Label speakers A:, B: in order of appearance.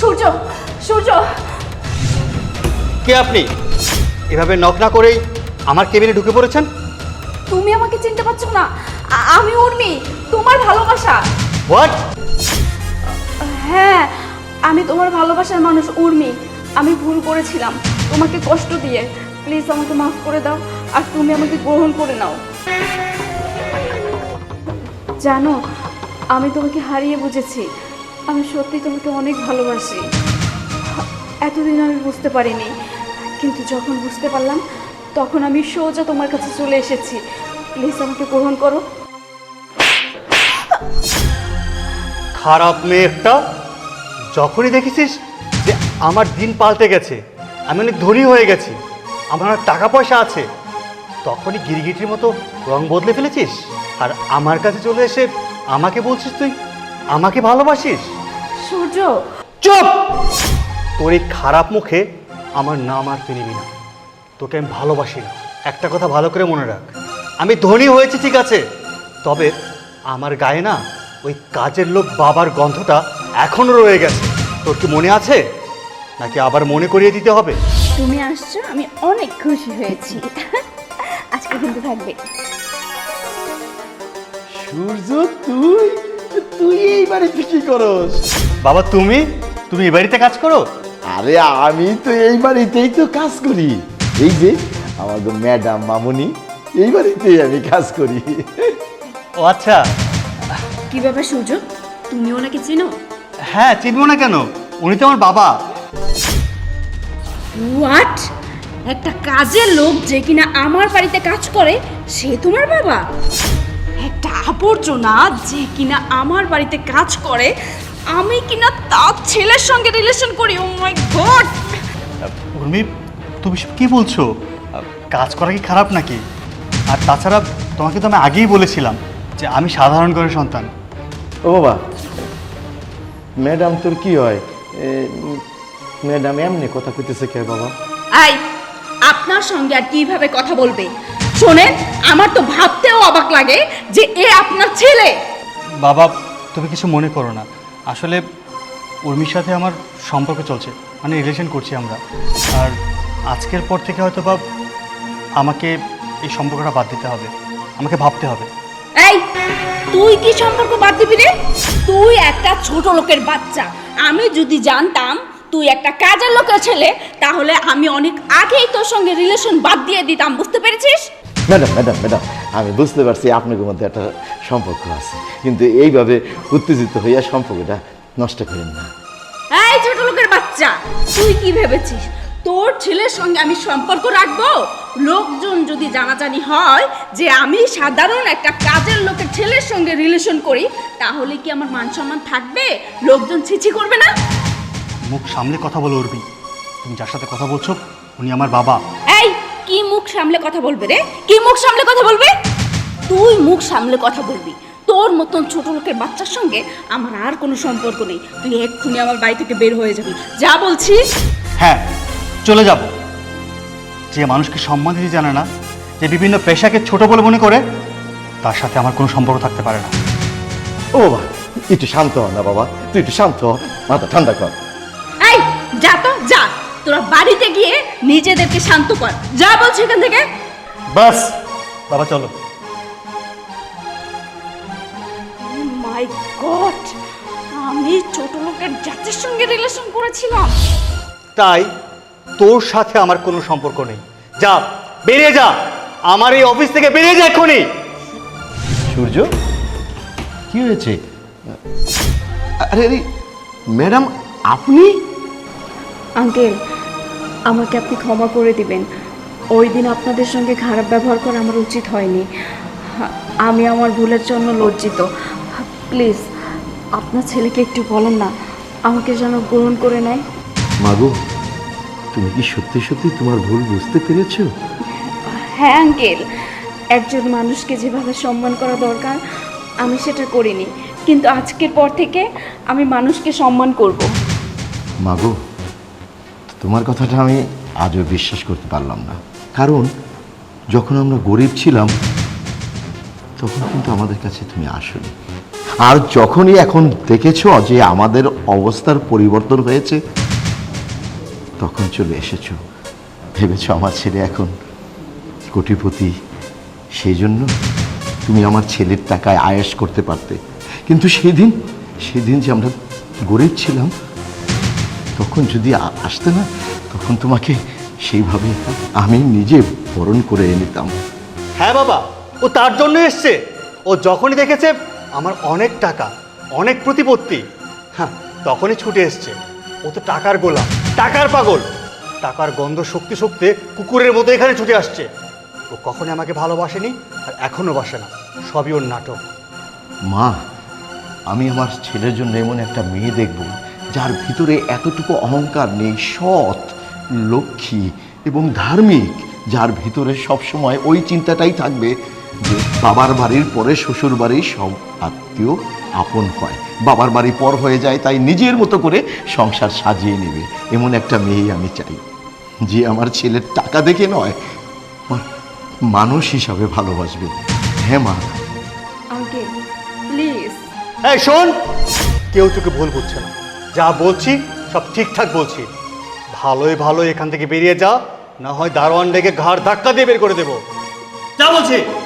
A: সূর্য, সূর্য,
B: কে আপনি? এভাবে নক না করেই আমার কেবিনে ঢুকে পড়েছেন?
A: তুমি আমাকে চিনতে পারছো না? আমি উর্মি, তোমার ভালোবাসা।
B: হোয়াট?
A: হ্যাঁ, আমি তোমার ভালোবাসার মানুষ উর্মি। আমি ভুল করেছিলাম তোমাকে কষ্ট দিয়ে। প্লিজ আমাকে মাফ করে দাও, আর তুমি আমাকে গ্রহণ করে নাও। জানো, আমি তোমাকে হারিয়ে বুঝেছি। আমি সত্যি তোমাকে অনেক ভালোবাসি। এতদিন আমি বুঝতে পারিনি, কিন্তু যখন বুঝতে পারলাম তখন আমি সোজা তোমার কাছে চলে এসেছি। প্লিজ আমাকে গ্রহণ করো।
B: খারাপ মেয়ে একটা। যখনই দেখেছিস যে আমার দিন পাল্টে গেছে, আমি অনেক ধনী হয়ে গেছি, আমার অনেক টাকা পয়সা আছে, তখনই গিরগিটির মতো রং বদলে ফেলেছিস। আর আমার কাছে চলে এসে আমাকে বলছিস তুই আমাকে ভালোবাসিস?
A: সূর্য,
B: চুপ! তোর এই খারাপ মুখে আমার নাম আর তুই নিবি না। তোকে আমি ভালোবাসি না। একটা কথা ভালো করে মনে রাখ, আমি ধনী হয়েছি ঠিক আছে, তবে আমার গায়ে না ওই কাজের লোক বাবার গন্ধটা এখনো রয়ে গেছে। তোর কি মনে আছে, নাকি আবার মনে করিয়ে দিতে হবে?
A: তুমি আসছো, আমি অনেক খুশি হয়েছি। আজকে কিন্তু থাকবে।
C: সূর্য, তুই তুই এই বাড়িতে কি করস?
B: বাবা, তুমি তুমি এই বাড়িতে কাজ করো?
C: আরে আমি তো এই বাড়িতেই তো কাজ করি। এই যে আমাদের ম্যাডাম মামুনি, এই বাড়িতেই আমি কাজ করি।
B: ও আচ্ছা।
A: কি ব্যাপার সূর্য, তুমি ওনাকে চিনো?
B: হ্যাঁ, চিনবো না কেন? উনি তো আমার বাবা।
A: হোয়াট? একটা কাজের লোক যে কিনা আমার বাড়িতে কাজ করে, সে তোমার বাবা? একটা আবর্জনা যে কিনা আমার বাড়িতে কাজ করে, আমি কিনা তার ছেলের সঙ্গে রিলেশন করি? ও মাই গড!
B: উর্মি, তুমি সব কি বলছো? কাজ করা কি খারাপ নাকি? আর তাছাড়া তোমাকে তো আমি আগেই বলেছিলাম যে আমি সাধারণ ঘরের সন্তান।
C: ও বাবা, ম্যাডাম তোর কি হয়? ম্যাডাম এমনি কথা কইতেছে কে বাবা?
A: আই, আপনার সঙ্গে আর কিভাবে কথা বলবে? শোনেন, আমার তো ভাবতেও অবাক লাগে যে এ আপনার ছেলে।
B: বাবা, তুমি কিছু মনে করো না। আসলে উর্মির সাথে আমার সম্পর্ক চলছে, মানে রিলেশন করছি আমরা। আর আজকের পর থেকে হয়তো বা আমাকে এই সম্পর্কটা বাদ দিতে হবে, আমাকে ভাবতে হবে।
A: এই, তুই কি সম্পর্ক বাদ দিবি রে? তুই একটা ছোট লোকের বাচ্চা। আমি যদি জানতাম তুই একটা কাজের লোকের ছেলে, তাহলে আমি অনেক আগেই তোর সঙ্গে রিলেশন বাদ দিয়ে দিতাম। বুঝতে পেরেছিস?
C: ম্যাডাম ম্যাডাম ম্যাডাম, আমি বুঝতে পারছি আপনাদের মধ্যে একটা সম্পর্ক আছে, কিন্তু এইভাবে উত্তেজিত হইয়া সম্পর্কটা নষ্ট করেন না।
A: এই ছোট লোকের বাচ্চা, তুই কি ভেবেছিস তোর ছেলের সঙ্গে আমি সম্পর্ক রাখবো? লোকজন যদি জানাজানি হয় যে আমি সাধারণ একটা কাজের লোকের ছেলের সঙ্গে রিলেশন করি, তাহলে কি আমার মান সম্মান থাকবে? লোকজন ছিছি করবে না?
B: মুখ সামলে কথা বলো উর্মি। তুমি যার সাথে কথা বলছো উনি আমার বাবা।
A: এই, কি মুখ সামলে কথা বলবে রে? কি মুখ সামলে কথা বলবে? তুই মুখ সামলে কথা বলবি। তোর মতন ছোট লোকের বাচ্চার সঙ্গে আমার আর কোনো সম্পর্ক নেই। তুই এক্ষুনি আমার বাড়ি থেকে বের হয়ে যাবি, যা বলছি।
B: হ্যাঁ, চলে যাব। যে মানুষকে সম্মান দিতে জানে না, যে বিভিন্ন পেশাকে ছোট বলে মনে করে, তার সাথে আমার কোনো সম্পর্ক থাকতে পারে না।
C: ও বাবা, একটু শান্ত হ না বাবা, তুই একটু শান্ত হ, মাথা ঠান্ডা কর।
A: এই, যা তো যা, তোরা বাড়িতে গিয়ে নিজেদেরকে শান্ত কর, যা বলছি এখান থেকে।
B: বাস বাবা, চলো।
A: মাই গড, আমি ছোট লোকের জাতির সঙ্গে রিলেশন করেছিলাম।
B: তাই তোর সাথে আমার কোনো সম্পর্ক নেই। যা, বেরিয়ে যা, আমার এই অফিস থেকে বেরিয়ে যা এক্ষুনি।
C: সূর্য, কি হয়েছে? আরে আরে ম্যাডাম, আপনি?
A: আঙ্কেল, আমাকে আপনি ক্ষমা করে দিবেন। ওই দিন আপনাদের সঙ্গে খারাপ ব্যবহার করা আমার উচিত হয়নি। আমি আমার ভুলের জন্য লজ্জিত। প্লিজ আপনার ছেলেকে একটু বলেন না, আমাকে যেন গ্রহণ করে নেয়।
C: মাগো, তুমি কি সত্যি সত্যি তোমার ভুল বুঝতে পেরেছো?
A: হ্যাঁ আঙ্কেল, একজন মানুষকে যেভাবে সম্মান করা দরকার আমি সেটা করিনি, কিন্তু আজকের পর থেকে আমি মানুষকে সম্মান করব।
C: মাগো, তোমার কথাটা আমি আজও বিশ্বাস করতে পারলাম না, কারণ যখন আমরা গরিব ছিলাম তখন কিন্তু আমাদের কাছে তুমি আসোনি। আর যখনই এখন দেখেছো যে আমাদের অবস্থার পরিবর্তন হয়েছে, তখন চলে এসেছো। ভেবেছো আমার ছেলে এখন কোটিপতি, সেই জন্য তুমি আমার ছেলের টাকায় আয়েশ করতে পারতে। কিন্তু সেদিন যে আমরা গরিব ছিলাম, তখন যদি আসতে না, তখন তোমাকে সেইভাবে আমি নিজে বরণ করে নিতাম।
B: হ্যাঁ বাবা, ও তার জন্য এসছে। ও যখনই দেখেছে আমার অনেক টাকা, অনেক প্রতিপত্তি, হ্যাঁ, তখনই ছুটে এসছে। ও তো টাকার গোলাম, টাকার পাগল। টাকার গন্ধ শক্তি শক্তি কুকুরের মতো এখানে ছুটে আসছে। ও কখনই আমাকে ভালোবাসেনি, আর এখনো বাসে না। সবই ওর নাটক।
C: মা, আমি আমার ছেলের জন্য এমন একটা মেয়ে দেখব যার ভিতরে এতটুকু অহংকার নেই, সৎ, লক্ষ্মী এবং ধার্মিক, যার ভিতরে সবসময় ওই চিন্তাটাই থাকবে যে বাবার বাড়ির পরে শ্বশুর বাড়ির সব আত্মীয় আপন হয়, বাবার বাড়ি পর হয়ে যায়, তাই নিজের মতো করে সংসার সাজিয়ে নেবে। এমন একটা মেয়েই আমি চাই, যে আমার ছেলের টাকা দেখে নয়, আমার মানুষ হিসাবে ভালোবাসবে। হ্যাঁ মা।
A: Uncle please.
B: এই শোন, কেউ তোকে ভুল বুঝছে না। যা বলছি সব ঠিকঠাক বলছি। ভালোই এখান থেকে বেরিয়ে যা, না হয় দারোয়ান ডেকে ঘাড় ধাক্কা দিয়ে বের করে দেবো। যা বলছি।